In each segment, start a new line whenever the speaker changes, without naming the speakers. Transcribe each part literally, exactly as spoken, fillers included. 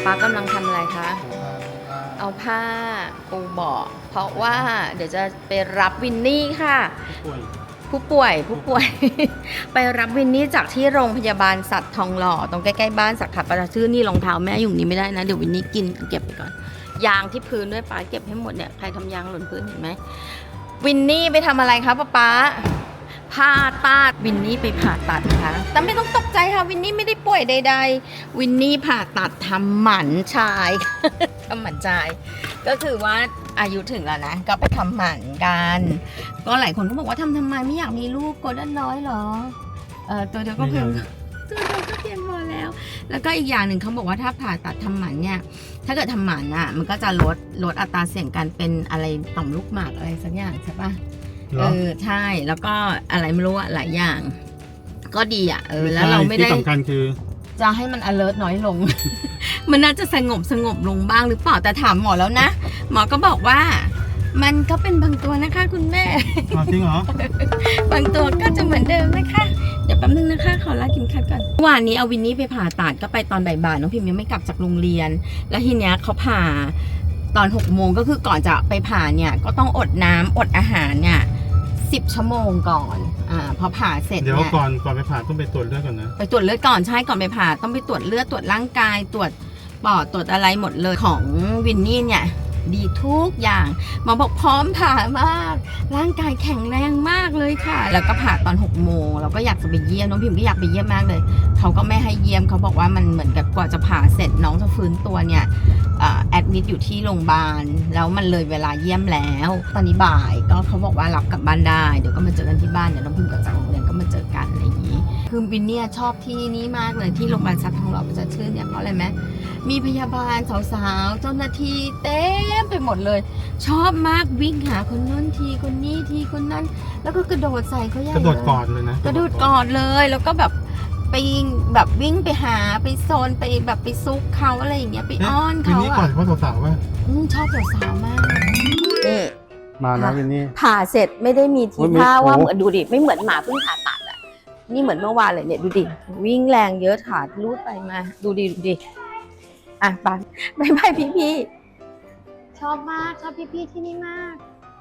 ากำลังทำอะไรคะเอาผ้าปูเบาะเพราะว่าเดี๋ยวจะไปรับวินนี่ค่ะผู้ป่วยผู้ป่วย ไปรับวินนี่จากที่โรงพยาบาลสัตว์ทองหล่อตรงใกล้ๆบ้านสักขับประชื่อนี่รองเท้าแม่อยู่นี้ไม่ได้นะเดี๋ยววินนี่กินเก็บไปก่อนยางที่พื้นด้วยป้าเก็บให้หมดเนี่ยใครทำยางหล่นพื้นเห็นไหมวินนี่ไปทำอะไรคะป้าป๊าผ่าตัดวินนี่ไปผ่าตัดนะคะแต่ไม่ต้องตกใจค่ะวินนี่ไม่ได้ป่วยใดๆวินนี่ผ่าตัดทำหมันชาย ทำหมันชายก็คือว่าอายุถึงแล้วนะก็ไปทำหมันกันก็หลายคนก็บอกว่าทำทำไมไม่อยากมีลูกโกลเด้นน้อยหรอเออตัวเดียวก็เพียงตัวเดียวก็เพียงพอแล้วแล้วก็อีกอย่างหนึ่งเขาบอกว่าถ้าผ่าตัดทำหมันเนี่ยถ้าเกิดทำหมันอ่ะมันก็จะลดลดอัตราเสี่ยงการเป็นอะไรต่อมลูกหมากอะไรสักอย่างใช่ปะเออใช่แล้วก็อะไรไม่รู้อะหลายอย่าง ก็ดีอ่ะเออแล้วเราไม่ได้
ที่สำคัญคือ
จะให้มัน alert น้อยลง มันน่าจะสงบสงบลงบ้างหรือเปล่าแต่ถามหมอแล้วนะหมอก็บอกว่ามันก็เป็นบางตัวนะคะคุณแม่
จริงเหรอ
บางตัวก็จะเหมือนเดิมนะคะเดี๋ยวแป๊บนึงนะคะขอลากินคัดก่อนเมื่อวานนี้เอาวินนี่ไปผ่าตัดก็ไปตอนบ่ายๆน้องพิมยังไม่กลับจากโรงเรียนแล้วทีเนี้ยเขาผ่าตอนหกโมงก็คือก่อนจะไปผ่าเนี่ยก็ต้องอดน้ำอดอาหารเนี่ยสิบชั่วโมงก่อนอ่าพอผ่าเสร็จ
เดี๋ยว
เนี่ย
ก่อนก่อนไปผ่าต้องไปตรวจเลือดก่อนนะ
ไปตรวจเลือดก่อนใช่ก่อนไปผ่าต้องไปตรวจเลือดตรวจร่างกายตรวจปอดตรวจอะไรหมดเลยของวินนี่เนี่ยดีทุกอย่างหมอบอกพร้อมผ่ามากร่างกายแข็งแรงมากเลยค่ะแล้วก็ผ่าตอนหกโมงเราก็อยากจะไปเยี่ยมน้องพิมก็อยากไปเยี่ยมมากเลยเขาก็ไม่ให้เยี่ยมเขาบอกว่ามันเหมือนกับกว่าจะผ่าเสร็จน้องจะฟื้นตัวเนี่ยแอดมิดอยู่ที่โรงพยาบาลแล้วมันเลยเวลาเยี่ยมแล้วตอนนี้บ่ายก็เขาบอกว่ารับกลับบ้านได้เดี๋ยวก็มาเจอกันที่บ้านเดี๋ยวน้องพิมกับจากโรงเรียนก็มาเจอกันอะไรอย่างนี้คือวินเนี่ยชอบที่นี่มากเลยที่โรงพยาบาลสัตว์ทองหล่อประชาชื่นเนี่ยเพราะอะไรไหมมีพยาบาลสาวๆเจ้าหน้าที่เต็มไปหมดเลยชอบมากวิ่งหาคนนู้นทีคนนี้ทีคนนั้นแล้วก็กระโดดใส่เขาใหญ่เลย
กระโดดกอดเลยนะ
กระโดดกอดเลยแล้วก็แบบไปแบบวิ่งไปหาไปโซนไปแบบไปซุกเขาอะไรอย่างเงี้ยไปอ้อนเขาอ่ะวิน
นี่ก่อนเพราะสาวๆว่า
ชอบสาวๆมากนี่
มานะวินนี่
ผ่าเสร็จไม่ได้มีทีท่าว่าเหมือนดูดิไม่เหมือนหมาเพิ่งผ่าตัดอ่ะนี่เหมือนเมื่อวานเลยเนี่ยดูดิวิ่งแรงเยอะขาดรูดไปมาดูดิดูดิอ่ะไปบายบายพี่พี่ชอบมากชอบพี่พี่ที่นี่มาก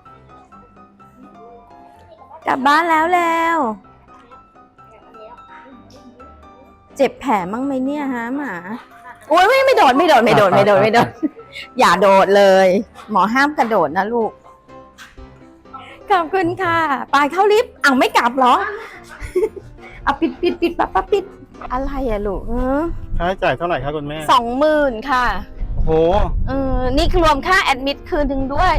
กลับบ้านแล้วแล้วเจ็บแผลมั้งไหมเนี่ยฮะหมาโอ้ยไม่ไม่โดดไม่โดดไม่โดดไม่โดดไม่โดดอย่าโดดเลยหมอห้ามกระโดดนะลูกขอบคุณค่ะไปเข้าลิฟต์อ้าวไม่กลับหรอเอาปิดปิดปิดปั๊บปั๊บปิดอะไรอะลูก
ค่าใช้จ่ายเท่าไหร่ครับคุณแม่
สองหมื่นค่ะ
โอ้โห
เออนี่รวมค่าแอดมิดคืนหนึ่งด้วย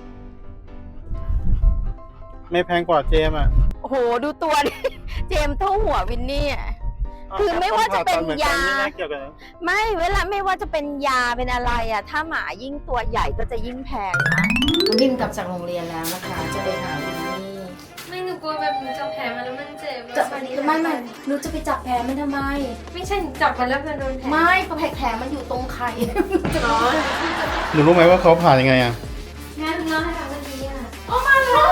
ไม่แพงกว่าเจมอ่ะ
โอ้โหดูตัวดิเจมเท่าหัววินนี่อ่ะคือไม่ว่าจะเป็นยาไม่เวลาไม่ว่าจะเป็นยาเป็นอะไรอ่ะถ้าหมายิ่งตัวใหญ่ก็จะยิ่งแพงนะวิ่งกลับจากโรงเรียนแล้วนะคะจะไปหาวินนี่
ไม่หนูกลัวแบบหนูจับแผลมันแล้วมันเจ็บ
จะไม่ไม่หนูจะไปจับแผลมันทำไม
ไม่ใช่จับมันแล้วมันโดนแผล
ไม่เพราะแผลมันอยู่ตรงไข่
หนูรู้ไหมว่าเขาผ่ายังไงอ่ะ
งั้นเล่าให้ฟังวันนี้อ่ะ
โอ้มาเลย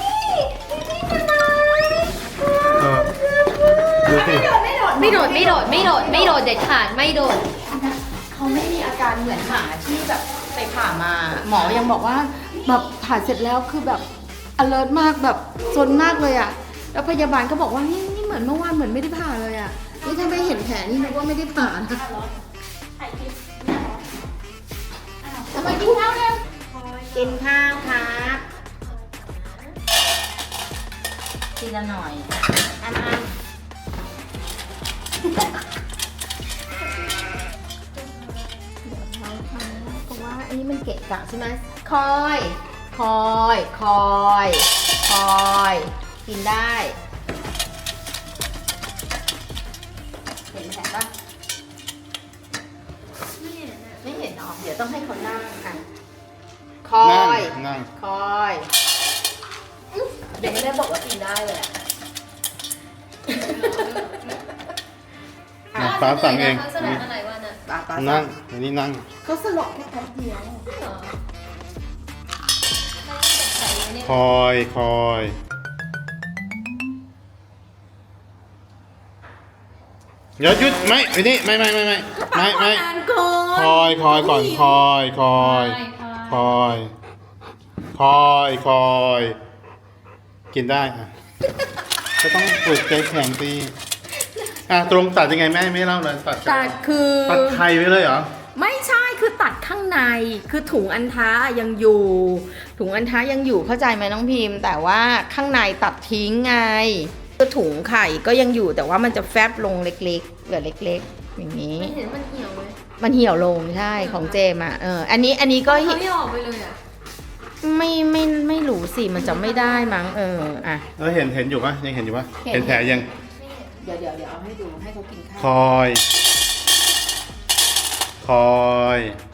ดูสิ
ไม่โดดไม่โดดไม่โดดไม่โดดเด็ดขาดไม่โดด
เขาไม่มีอาการเหมือนหมาที่แบบไปผ่ามาหมอยังบอกว่าแบบผ่าเสร็จแล้วคือแบบ alert มากแบบซนมากเลยอ่ะแล้วพยาบาลก็บอกว่านี่นี่เหมือนเมื่อวานเหมือนไม่ได้ผ่าเลยอ่ะนี่ถ้าไม่เห็นแผลนี่นึกว่าไม่ได้ผ่านะทำไมกินข้าวเร็วกินข้าวครับทีละหน่อยอันอันเพราะว่าอันนี้มันเกะกะใช่ไหมคอยคอยคอยคอยกินได้เห็นแผลปะไม่เห็นไม่เห็นหรอเดี๋ยวต้องให้เขานั่งอ่ะคอย
นั่ง
คอยเดี๋ยวไม่ได้บอกว่ากินได้เลยอ่ะ
ป้าสั่งเองนั่งนี่นั่ง
เขาสลบแค่แป๊บเดียว
คอยคอยเดี๋ยวหยุดไม่วินนี่ไม่ไม่ไม่ไม่ไม่ไม่
นานก่อน
คอยคอยก่อนคอยคอยคอยคอยคอยกินได้อ่ะก็ต้องฝึกใจแข็งตีอ่ะตรงตัดยังไงแม่ไม่เล่าเลยตัด
ตัดคือ
ตัดไข่ไว้เลยเหรอ
ไม่ใช่คือตัดข้างในคือถุงอันท้ายังอยู่ ถุงอันท้ายังอยู่เข้าใจไหมน้องพิมพ์ แต่ว่าข้างในตัดทิ้งไงคือถุงไข่ก็ยังอยู่แต่ว่ามันจะแฟบลงเล็กๆเหลือเล็กๆ อย่างนี้
ไม่เห็นมันเหี่ยวเลย
มันเหี่ยวลงใช่ของเจมอ่ะเอออันนี้อันนี้ก็
เขาไม่ออกไปเลยอ่ะ
ไม่ไม่ไม่รู้สิมันจะไม่ได้มั้งเอออ่ะ
แล้วเห็นเห็นอยู่ปะยังเห็นอยู่ปะ
เห็น
เห็นแผลยัง
เดี๋ยวเดี๋ยวเดี๋ยวเอาให้ดูให้เขากินข้าว
คอย คอย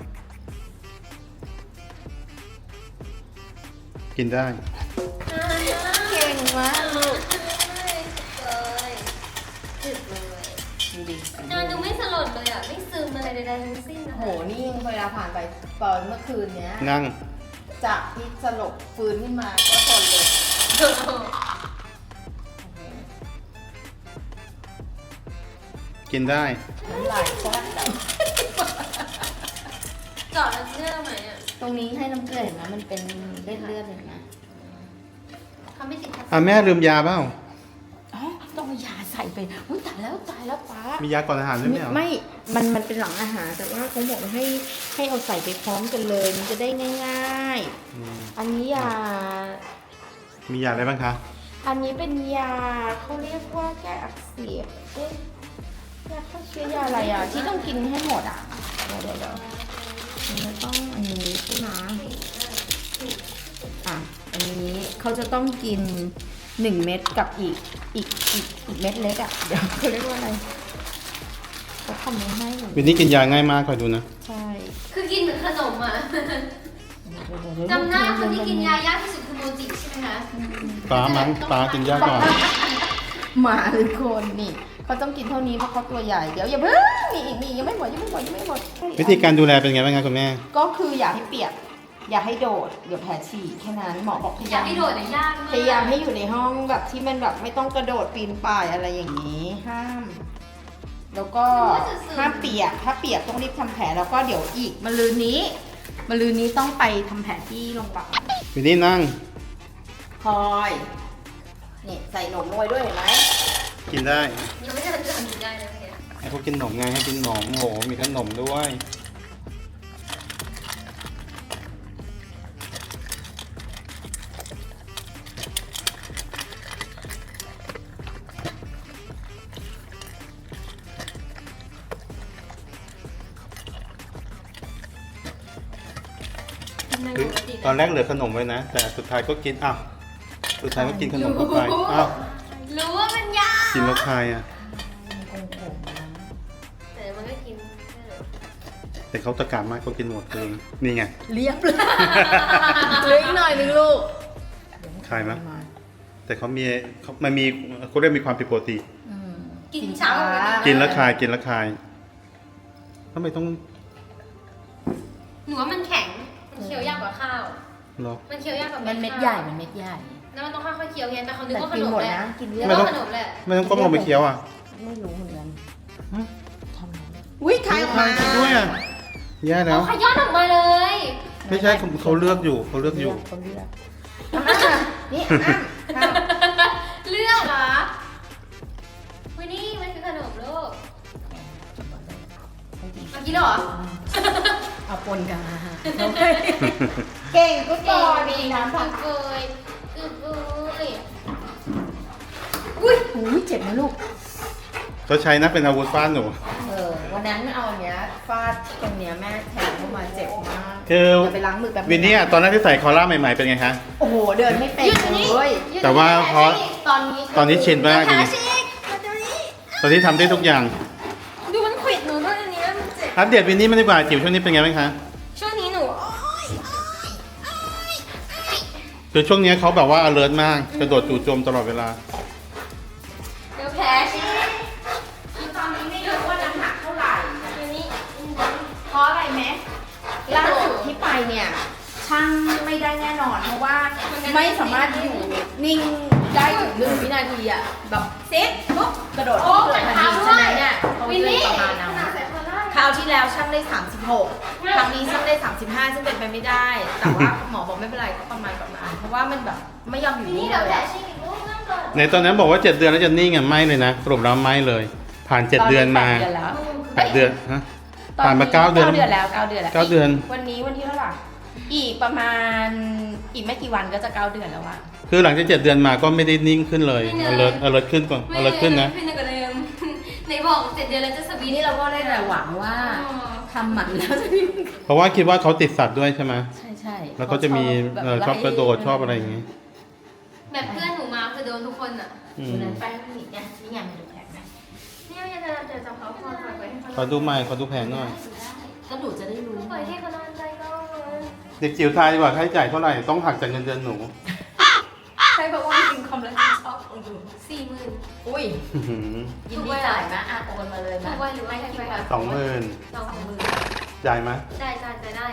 กินได้
เก่งมากลูก
เลยจุดเลย
ดูดิ
นอนดูไม่สลดเลยอ่ะ ไม่ซึมอะไรใดๆทั้งสิ้น
โหนี่ยังเวลาผ่านไปตอนเมื่อคืนเนี้ย
นั่ง
จากที่สลบฟื้นขึ้นมาก็ทนเลย
กินได้
น้ำลายแซ่บแบบ
เจาะแล้วเชื่อไหมอ่ะ
ตรงนี้ให้น้ำเกลือเห็นไหมมันเป็นเลือดเลือดเห็นไหม
เขาไม่ติดทับ
อ่ะแม่ลืมยาเปล่า
อ๋อต้องเอายาใส่ไปอุ้ยตายแล้วตายแล้วป้า
มียาก่อนอาหารด้วยไหมเหรอ
ไม่ มันมันเป็นหลังอาหาร แต่ว่าเขาบอกให้ให้เอาใส่ไปพร้อมกันเลย มันจะได้ง่าย
อืม
ๆ อันนี้ยา
มียาอะไรบ้างคะ
อันนี้เป็นยาเขาเรียกว่าแก้อักเสบเอ๊ะยาฆ่าเชื้อยาอะไรอ่ะ ที่ต้องกินให้หมดอ่ะ เดี๋ยวเดี๋ยวเดี๋ยวมันจะต้องอันนี้ใช่ไหมอ่ะ อันนี้เขาจะต้องกินหนึ่งเม็ดกับอีกอีกอีกอีกเม็ดเล็กอ่ะ เดี๋ยวเขาเรียกว่าอะไรเขาทำไม่ให้หนู
วินนี่กินยาง่ายมากคอยดูนะ
ใช่
คือกินเหมือนขนมอ่ะ จำได้คนที่กินยายากที่สุดคือโมจิใช่ไหมคะ
ปลามั้งปลากินยาก่อน
หมาหรือคนนี่เขาต้องกินเท่านี้เพราะเขาตัวใหญ่ เดี๋ยวอย่าเพิ่งมีอีกมีอีกยังไม่หมดยังไม่หมดยังไม่หมด
วิธีการดูแลเป็นไงบ้างคะคุณแม่
ก็คืออย่าให้เปียก อย่าให้โดด เดี๋ยวแผลฉีกแค่นั้นหมอบอกพ
อยาย
ยาาก ม
ให้โดดเนี่ยยากมาก
พยายามให้อยู่ในห้องแบบที่มันแบบไม่ต้องกระโดดปีนป่ายอะไรอย่างนี้ ห้าม แล้วก็ห้ามเปียก ถ้าเปียกต้องรีบทำแผลแล้วก็เดี๋ยวอีกมะรืนนี้มะรืนนี้ต้องไปทำแผลที่โรงพยาบาล
วินนี่นั่ง
คอยนี่ใส่หนมลงไปด้วยเห็นไหม
กินได้
ยังไม่ทันจะทำได้เลยเนี่ย
ให้เขากินขนมไงให้กินขนมโอ้โหมีขนมด้วย
นั่ง
คือ
ปกติ
ตอนแรกเหลือขนมไว้นะ แต่สุดท้ายก็กินอ้าวสุดท้ายก็กินขนมเข้าไปอ้าว
รู้ว่ามันยาก
กินแล้วคายอ่ะ
แต่มันก็กิน
แต่เขาตะการมากเขากินหมดเลยนี่ไง
เรียบเลยเหลืออีกหน่อยนึงลูก
คายไหมแต่เขามีเขามันมีเขาเรียกมีความผิดปกติ
อืม
กินเช้า
กินแล้วคายกินแล้วคายทำไมต้อง
หนูว่ามันแข็ง มันเคี้ยวยากกว่าข้าว
รอ
มันเคี้ยวยากกว่า
มันเม็ด
ข้าว
ใหญ่มันเม็ดใหญ่
แล้วมันต้องค่อยๆเคี้ยวไงแต่เขานึก
แต่
ว่าข
กิน
นม
หมด
แหละ
นะกินเรีย
นึ
บ
กว่าขนมแหละ
ไม่ต้องก้มลงไปเคี้ยวอ่ะ
ไม่รู้เหมือนกัน
ฮะ
ทำไงอุ้ยคายออกมา
คายด้วยอ่ะแย่แล้
เอา
ว
ขย้อนออกมาเลย
ไม่ใช่เขาเขาเลือกอยู่เขาเลือกอยู่
เขาเลือกอ่ะนี่อ่ะข้าว
เลือกเหรอวันนี้มันคือขนมลูกเมื่อกี้เหรอ
เอาปนกันเก่งก็ต่อดีนะ
คือเกยคือเกย
อุ้ยหูยเจ็บนะลูก
เขาใช้นะเป็นอาวุธฟาดหนู
เออวันนั้นเอาอันเนี้ยฟาดตรงเนี้ยแม่แทงเข้ามาเจ็บมาก
คือ
เดี๋ยวไปล้างมือแป๊บ
วินนี่อะตอนแรกที่ใส่คอล่าใหม่ๆเป็นไงคะ
โอ้โหเดินไม่เป็นเลย
แต่ว่าพอ
ตอนนี้
ตอนนี้ชินมากเลย
ขาชิกมาตรงนี้
ตอนนี้ทำได้ทุกอย่าง
ดูมันขวิดหนูด้วยอันนี้มันเจ็บ
อัปเดตวินนี่มันดีกว่าจิ๋วช่วงนี้เป็นไงบ้างคะ
ช่วงนี้หนู
คือช่วงนี้เขาแบบว่า alert มากกระโดดจู่โจมตลอดเวลา
เดี๋ยวแผลชิก
คือตอนนี้ไม่รู้ว่าน้ำหนักเท่าไหร่
อันนี้
เพราะอะไรไหมล่าสุดที่ไปเนี่ยช่างไม่ได้แน่นอนเพราะว่าไม่สามารถอยู่นิ่งได้ถึงหนึ่งวินาทีอะแบบเซ็ตปุ๊บกระโดดขึ้นเลยทันทีฉะนั้นเนี่ยาวที่แล้วช่างได้สามสิบหกครั้งนี้ช่างได้สามสิบห้าซึ่งเป็นไปไม่ได้ แต่ว่าหมอบอกไม่เป็นไรก็ประมาณประมาณเพราะว่ามันแบบไม่ยอมอยู่
นี่
นี่
เดี๋ยว
เลย
แผล
อะ
ฉีกอีกลูกนั่งก่อน
ในตอนนั้นบอกว่าเจ็ดเดือนแล้วจะนิ่งอ่ะไม่เลยนะสรุปแล้วไม่เลย ผ่านเจ็ดเดือนมา
ตอนนี้แปดเดือนแล้ว
แปดเดือนฮะผ่านมาเก้าเดือน
เก้าเดือนแล้วเก้าเดือนแล้ว
เก้าเดือน
วันนี้วันที่เท่าไหร่อีกประมาณอีกไม่กี่วันก็จะเก้าเดือนแล้วอะ
คือหลังจากเจ็ดเดือนมาก็ไม่ได้นิ่งขึ้นเลย alert alert ขึ้นก่อน alert ขึ้นนะ
ไม่นกว่าเดิมไหนบอกเจ็ดเดือนแล้วจะสวี
ปี
ท
นี้เราก็ได้แต่หวังว่า
อ๋อ
ทำหมันแล้วจะมี
เพราะว่าคิดว่าเขาติดสัตว์ด้วยใช่ไหม
ใช่ใช่
แล้วเขาจะมีเอ่อชอบกระโดดชอบอะไรอย่างงี้
แบบเพื่อนหนูมาคือโดนทุกคนอ่ะ
อื
ดู
ม
นั้นแป้งนี่ไงนี่ไงมันดูแผลไหม
เนี่ยยังจะจะจับเขาคอปล่อยไว้ให้เขา
ขอดูใหม่ขอดูแผนหน่อย
ก็หนูจะได้รู้
ปล่อยให้เขานอนใจก็เลย
เด็กจิ๋วทายดีกว่าค่าใช้จ่ายเท่าไหร่ต้องหักจากเงินเดือนหนู
ใช่เพราะว่าจริงๆความรับผิดชอบของหนู
สี่หมื่น
อุ้ย
อื้อหือ
ยินดีจ่ายนะอ่ะโอนมาเลย
ถู
นะ
กไว้หรือไม่ถูกไว้
สองหมื่น
สองหมื่น
จ่ายไหม
ได้ได้ได้ได้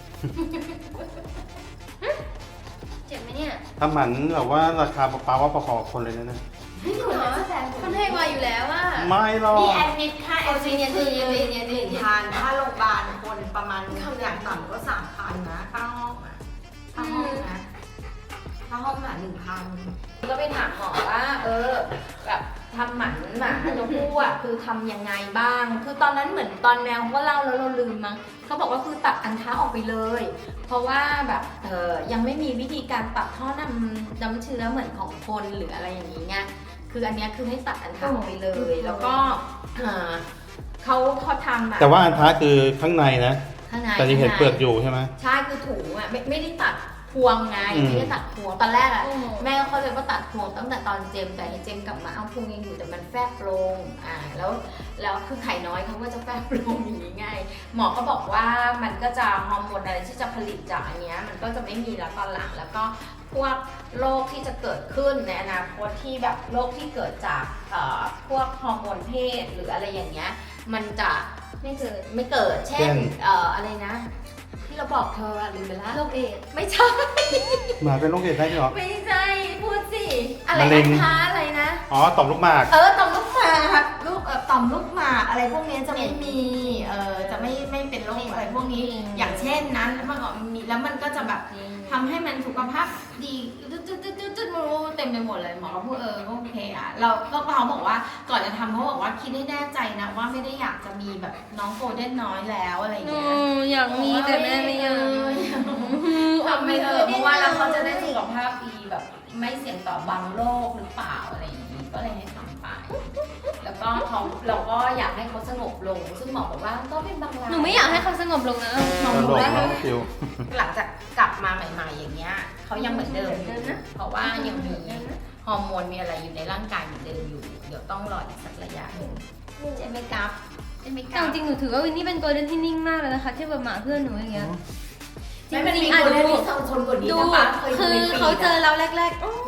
เจ็บไหมเนี่ย
ถ้าหมันแบบว่าราคาปลาว่าประคอคนเลยนะเนี่ย
ไม่หนูเหรอคนให้มาอยู่แล้วว่า
ไม่หรอก
นี่แอดมิดค่าแอดมิด
เย็นๆ
คือ
เย็นๆเย็นๆ
หนึ่งพันค่าโรงพยาบาลคนประมาณอย่างต่ำก็สามพันนะค่าห้องอ่ะค่าห้องนะค่าห้องอ่ะหนึ่งพันก็ไปถามหมอว่า เออแบบทำหมันหมาตัวผู้อ่ะคือทำยังไงบ้าง คือตอนนั้นเหมือนตอนแมวเขาก็เล่าแล้วเราลืมมั้งเขาบอกว่าคือตัดอันท้าออกไปเลย เพราะว่าแบบเออยังไม่มีวิธีการตัดท่อนำน้ำเชื้อเหมือนของคนหรืออะไรอย่างนี้ไงคืออันเนี้ยคือให้ตัดอันท้าออกไปเลย แล้วก็เอ่อเขาเขาทำอะ
แต่ว่าอันท้าคือข้างในนะ
ข้างใน
แต่ยังเห็น
ข้างใน
เปลือกอยู่ใช่ไหม
ใช่คือถุงอ่ะไม่ไม่ได้ตัดพวงไง
อืม
ไม่ได้ตัดพวงตอนแรกอ่ะ
อืม
แม่เขาเลยว่าตัดพวงตั้งแต่ตอนเจมแต่เจมกลับมาเอาพวงยังอยู่แต่มันแฟบลงอ่าแล้วแล้วคือไข่น้อยเขาก็จะแฟบลงอย่างนี้ไงหมอก็บอกว่ามันก็จะฮอร์โมนอะไรที่จะผลิตจากอันเนี้ยมันก็จะไม่มีแล้วตอนหลังแล้วก็พวกโรคที่จะเกิดขึ้นในอนาคตที่แบบโรคที่เกิดจากเอ่อพวกฮอร์โมนเพศหรืออะไรอย่างเงี้ยมันจะ
ไม่เกิด
ไม่เกิด เช่
เช่
น
น
เอ่อ อะไรนะ ที่เราบอกเธออะลืมไปแล้ว
โรคเอดส์
ไม่ใช่
หมาเป็นโรคเอดส์ได้ด้วยเหรอ
ไม่ใช่ พูดสิ อะไร
มะเร็
นะ
ง
คะอะไรนะ
อ๋อต่อมลูกหมาก
เออ ต่อมลูกหมากลูกเอ่อต่อมลูกหมากอะไรพวกเนี้ยจะไม่มี เออจะไม่ไม่เป็นโรคอะไรพวกนี้ อย่างเช่นนั้นแล้วมันก็มีแล้วมันก็จะแบบทำให้มันสุขภาพดีจุดจุดจุดจุดจุดเต็มไปหมดเลยหมอก็พูดเออก็โอเคอ่ะเราก็เขาบอกว่าก่อนจะทำเขาบอกว่าคิดให้แน่ใจนะว่าไม่ได้อยากจะมีแบบน้องโกลเด้นน้อยแล้วอะไรอย่าง
หนู
เงี้ย
อยากมีแต่แม่ไม่อยาก
ทำไปเถอะเพราะว่าแล้วเขาจะได้สุขภาพดีแบบไม่เสี่ยงต่อบางโรคหรือเปล่าอะไรอย่างนี้ก็เลยให้ทำไป แล้วก็เขาเราก็อยากให้เขาสงบลง ซึ่งหมอบอกว่าก็เป็นบางราย
หนูไม่อยากให้เขาสงบลงนะ
หมอ
ต
บ
ล
อก
ก
ว่า
เนาะคิว
หลังจากกลับมาใหม่ๆอย่างเงี้ยเขายังเหมือนเดิมอยู่เพราะว่ายังมีฮอร์โมนมีอะไรอยู่ในร่างกายเหมือนเดิมอยู่ เดี๋ยวต้องรออีกสักระยะหนึ่งใช่ไหมครับใช่ไหมค
แต่
รับ
จริงๆหนูถือว่าวินนี่เป็นโกลเด้นที่นิ่งมากเลยนะคะเทียบกับหมาเพื่อนหนูอย่างเงี้ย จ
ไม่
ริง
มี
ๆอ่ะ
คน
ดู
ที่สองคนกว่านี้
ดู
นะป้าเคย
คือ
ดูในฟีด
เขาเจอ
อะ
เราแรกๆอ๋อน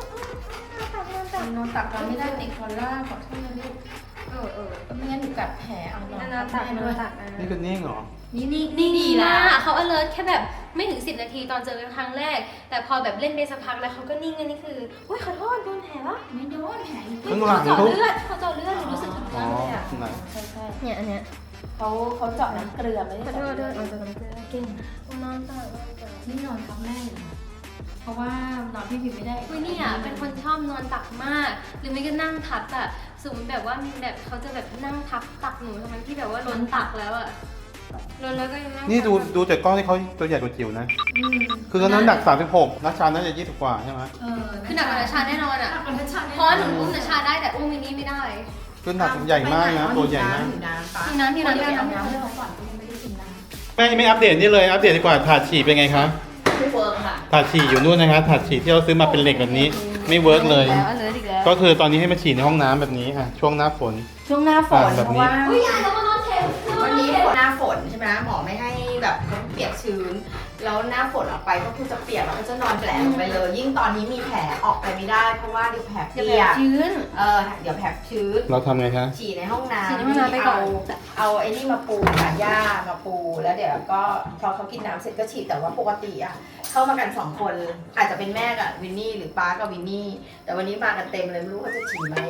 อนตักเราไม่ได้ติดคอลล่าขอโทษนะลูก
เออเออ
ไม่งั้นหนูกัดแผลเอานอน
นานาตัก
ให้
นา
ด้วย
นาตัก
นี่ก็นิ่งเหรอ
นี่นี่
นี่
นี่
ดี
ดี
มา
ละ
กเขา alert แค่แบบไม่ถึงสิบนาทีตอนเจอกันครั้งแรก แต่พอแบบเล่นไปสักพักแล้วเขาก็นิ่งอันนี้คืออุ้ยขอโทษโดนแผลวะ
ไม่โดนแผลอยู่
ข้างหลัง
เขาเจาะ
เขา
เลือดเขาเจาะเลือดหนูรู้สึกถึง
อ๋อ
มากเลยอ่ะ
ไหน
ใช่ใช่
เนี่ยอันเนี้ย
เขาเขาเจาะน้ำเกลือไม่ได้
ขอ
เจาะ
โทษ
เลื
ด้
อ
วย
ด
เอาจะกันเกลือเก่งนอนตักนอนตัก
นี่นอนทับแม่อยู่นะเพราะว่านอนพี่พิมไม่ได้
อุ้ยนี่อ่ะเป็นคนชอบนอนตักมาก หรือไม่ก็นั่งทับอ่ะสมมติแบบว่ามีแบบเขาจะแบบนั่งทับตักหนูทั้งที่แบบว่าล้นตักแล้วอ่ะล้นแล้วก็ยังนั่ง
นี่ดู
ทับ
ดูจากกล้องที่เขาตัวใหญ่กว่าจิ๋วนะ
อืม
คือเขาน้ำหนักสามสิบหกนัชชาน่าจะยี่สิบกว่าใช่ไหม
เออ
คือหนักกว่านาชาแน่นอน
หนั
อ่ะ
กกว่านัชชาแน่
เพราะว่าหนูอุ้มนาชาได้แต่อุ้มมินนี่ไม่ได้
คือหนักใหญ่มากนะ ตัวใหญ่มาก
หิวน้ำปะ
หิวน้ำหิวน้ำ
เดี๋ยว
หิว
เอา
น้ำ
น้ำให้เขาก่อนเขายังไม่ได้กินน้
แม่ไม่อัปเดตนี่เลยอัปเดตดีกว่าถาดฉี่เป็นไงคะ
ำไม่เวิร์กค่ะ
ถาดฉี่อยู่นู่นนะคะถาดฉี่ที่เราซื้อมาเป็นเหล็กแบบนี้ ไม่เวิร์กเลย
แล้วเลยอีกแล้ว
ก็คือตอนนี้ให้มาฉี่ในห้องน้ำแบบนี้อ่ะช่วงหน้าฝน
ช่วงหน้าฝน
อ่าแบบ
เพ
นี้
ราะว่า
อุ้ยยายแล้วมานอนเทป
วันนี้หน้าฝนใช่ไหมหมอไม่ให้แบบเปียกชื้น แล้วหน้าฝนออกไปก็คือจะเปียกแล้วก็จะนอนแผลลงไปเลย ยิ่งตอนนี้มีแผลออกไปไม่ได้ เพราะว่าเดี๋ยวแผลเปี
เดี๋ยวย แบบ
ก
ชื้น
เออเดี๋ยวแผลชื้น
เราทำไงคะ
ฉี่ในห้องน้ำ
ฉี่ในห้องน้ำไปก่อน
เอาเอาไอ้นี่มาปูค่ะหญ้ามาปูแล้วเดี๋ยวก็พอเขากินน้ำเสร็จก็ฉีดแต่ว่าปกติอะเข้ามากันสองคนอาจจะเป็นแม่กับวินนี่หรือป้ากับวินนี่แต่วันนี้มากันเต็มเลยไม่รู้เขาจะฉี่ไหม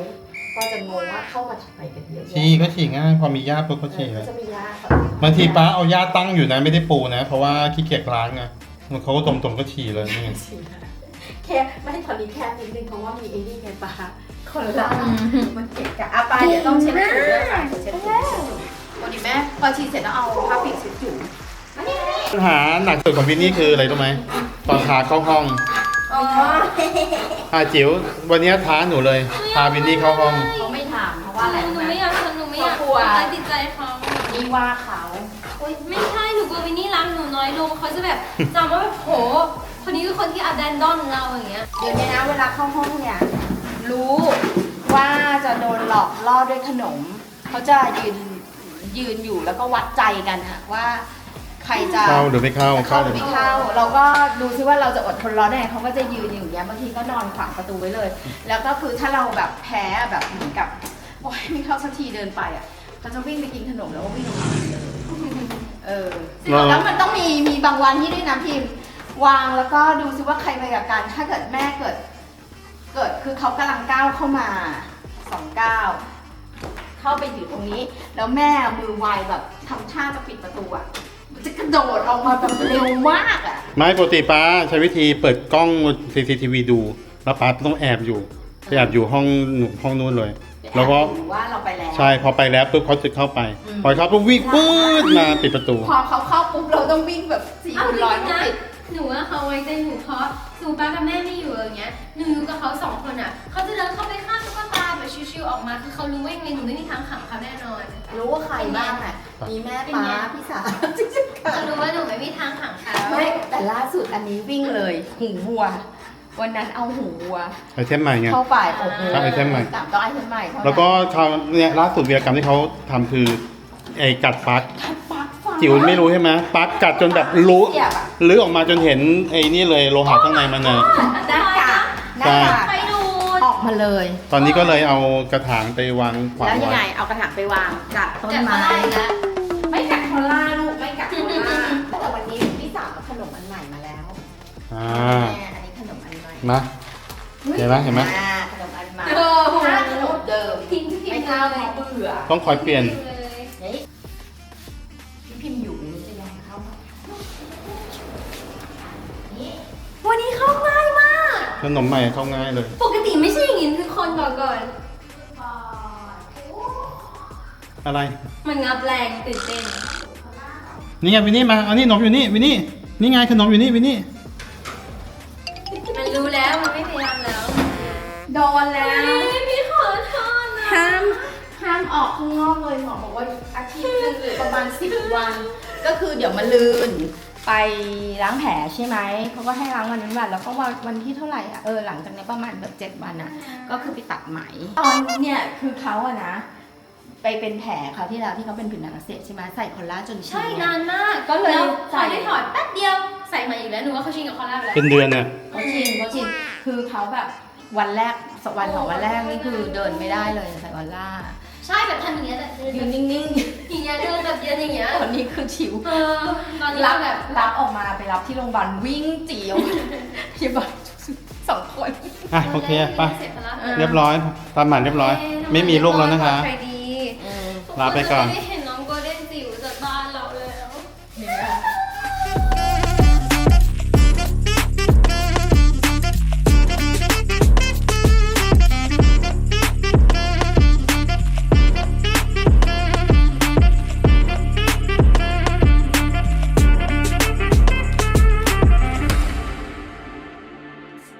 ก็จะงงว่าเข้ามาทำไมกันเยอะ
ฉี่ก็ฉี่ง่ายพอมีหญ้าปุ๊บก็
เอ
ฉี่
อ
เล
ก็
ย
จะมียาค่ะ
บางทีป้าเอาหญ้าตั้งอยู่นะไม่ได้ปูนะ เพราะว่าขี้เกียจล้างไงมันเขาก็ตมๆก็ฉี่เลยนี่ไง
แค่ไม่ให้ตอนนี้แค่นิดนึงเพราะว่ามีไอ้นี่ไงปลาคนละมันเกะกะอ่ะปลาเดี๋ยวต้องเช็ดถูด้วยค่ะเดี๋ยวเช็ดถูวันนี้แม่พอฉีดเสร็จแล้วเอาผ้าปิดเช็ดถู
ปัญหาหนักสุดของวินนี่คืออะไรรู้ไหมตอนพาเข้าห้อง
อ๋อ
อาจิ๋ววันนี้ท้าหนูเลยพาวินนี่เข้าห้อง
เขาไม่ถามเพราะว่าอะไร
หนู
รู้ไหม
ไม่อยากทำหนูไม่อยาก
เขากลัว
ทำร้ายจิตใจเขา
นี่ว่าเขา
โอ๊ยไม่ใช่หนูกลัววินนี่รักหนูน้อยลงเขาจะแบบจำว่าแบบโหคนนี้คือคนที่อับแดนดอนเราอย่างเงี้ย
เดี๋ยวนี้นะเวลาเข้าห้องเนี่ยรู้ว่าจะโดนหลอกล่อด้วยขนมเขาจะยืนยืนอยู่แล้วก็วัดใจกันอะว่าใครจะ
เข้าหรือไม่เข้า
จะเข้าหรือไม่เข้า เราก็ดูซิว่าเราจะอดทนรอได้ไงเขาก็จะยืนอยู่อย่างเงี้ยบางทีก็นอนขวางประตูไว้เลย แล้วก็คือถ้าเราแบบแพ้แบบเหมือนกับโอ๊ยไม่เข้าสักทีเดินไปอ่ะเขาจะวิ่งไปกินขนมแล้วก็วิ่งออกมาเลยเออแล้วมันต้องมีมีบางวันที่ด้วยนะพิมพ์วางแล้วก็ดูซิว่าใครไปกับกันถ้าเกิดแม่เกิด เกิดคือเขากำลังก้าวเข้ามาสองก้าวเข้าไปอยู่ตรงนี้ แล้วแม่มือไวแบบทำท่าจะปิดประตูอ่ะมันจะกระโดดออกมาแบบเร็วมากอ่ะ
ไม่ปกติป้าใช้วิธีเปิดกล้อง ซี ซี ที วี ดู แล้วป้าต้องแอบอยู่ไปแอบอยู่ห้องหนูห้องนู้นเลย แล้วก็
หรือว่าเราไปแล้ว
ใช่พอไปแล้วปุ๊บเขาจะเข้าไป
อืม
พอเขาปุ๊บวิ่งปื๊ดมาปิดประตู
พอเขาเข้าปุ๊บเราต้องวิ่งแบบสี่
เอา
คูณ
จริ
ร้อย
ง
มา
นะ
ปิด
หนูว่าเขาไว้ใจหนูเพราะสมมติป้ากับแม่ไม่อยู่อย่างเงี้ยหนูอยู่กับเขาสองคนอ่ะเขาจะเดินเข้าไปข้างตุ๊กตาแบบชิวๆออกมาคือเขารู้ว่ายังไงหนูไม่มีทางขังเขาแน่นอน
รู้ว่าใครบ้างอ่ะมีแม่ป้าพี่สาวจริงๆค่ะ
เขารู้ว่าหนูไม่มีทางขังเขา
ไม่แต่ล่าสุดอันนี้วิ่งเลยหูวัว วันนั้นเอาหูวัว
ไอเทมใหม่ไง
เข้าไปโอ้โห
ใช่ไอเทมใหม่
สามต้องไอเทมใหม่เท่านั้น
แล้วก็คราวเนี่ยล่าสุดวีรกรรมที่เขาทำคือไอ้กัดปลั๊ก
ปลั๊กไฟ
จิ๋วไม่รู้ใช่ไหมปลั๊กกัดจนแบบรู้
เสียบอะ
ลื้อออกมาจนเห็นไอ้นี่เลยโลหะข้างในมันน่ะ
หน้ากากหน้า
ใช่
กาก
ไปดูด
ออกมาเลย
ตอนนี้ก็เลยเอากระถางไปวางขวาง
แล้วยัง
ไว้
ไงเอากระถางไปวางกัดต้น
แต่
ไม้
เขาได้แล้ว
ไม่กัดคอล่าลูกไม่กัดคอล่าแต่วันนี้พี่สาวเอาขนมอันใหม่มาแล้ว
อ่า
แม่อันนี้ขนมอันใหม่
มา เห็นไหมเห็นไหม
อ่าขนมอันใหม่
โอ้โห
ถ้าขนมเดิม
ทิ้งทิ้ง
ไม่
เล
เข้าย เพราะเบื่อ
ต้องคอยเปลี่ยน
นี่พี่พิมพ์อยู่นี่จะยังเข้ามานี่
วันนี้เข้าง่ายมาก
ขนมใหม่เข้าง่ายเลย
ปกติไม่ใช่อย่างนี้คือคนบอกก่อน
อะไร
มันงับแรงตื่นเต้น
นี่ไงวินนี่มาเอานี่ขนมอยู่นี่วินนี่นี่ไงขนมอยู่นี่วินนี่
มันรู้แล้วมันไม่พยายามแล้ว
โดนแล้ว
พี่ขอโทษนะ
ห้ามห้ามออกข้างนอกเลยหมอบอกว่าอาทิตย์หนึงหรือประมาณสิบวัน ก็คือเดี๋ยวมาลืนไปล้างแผลใช่ไหมเขาก็ให้ล้างวันนั้นวันแล้วก็วันวันที่เท่าไหร่อ่ะเออหลังจากนี้ประมาณแบบเจ็ดวันอ่ะ ก็คือไปตัดไหมตอนเนี่ยคือเขาอะนะ ไปเป็นแผลเขาวที่แล้วที่เขาเป็นผิวหนังอักเสบใช่ไหมใส่คอลลาจนชิ
ใช่
น
นานมาก
ก็เลย
แล้วพ
ใส่
อได้ถอดแป๊บเดียวใส่มาอีกแล้วหนูว่าเขาชินกับคอลลาไปแล้ว
เป็นเดือนเนี่ย
เขาชินเขาชินคือเขาแบบวันแรกสองวันสองวันแรกนี่คือเดินไม่ได้เลยใส่คอลลา
ใช่แบบทำอย่างเงี้ยแต่
ยืนนิ่ง
อย่างเงี้ยเดินแบบเดินอย่างเงี้ย
ๆตอนนี้คือชิว
เออตอนนี้
รับ
แบบ
รับออกมาไปรับที่โรงพยาบาลวิ่งจีออกมาพยาบาลสองคน
อ่ะโอเคไป
เสร็จแล้ว
เออ
เรียบร้อยตามหมันเรียบร้อย ไม่มีลูกแล้วนะคะ
ใครดี
ลาไปก่อน
ทุคจะได้เห็น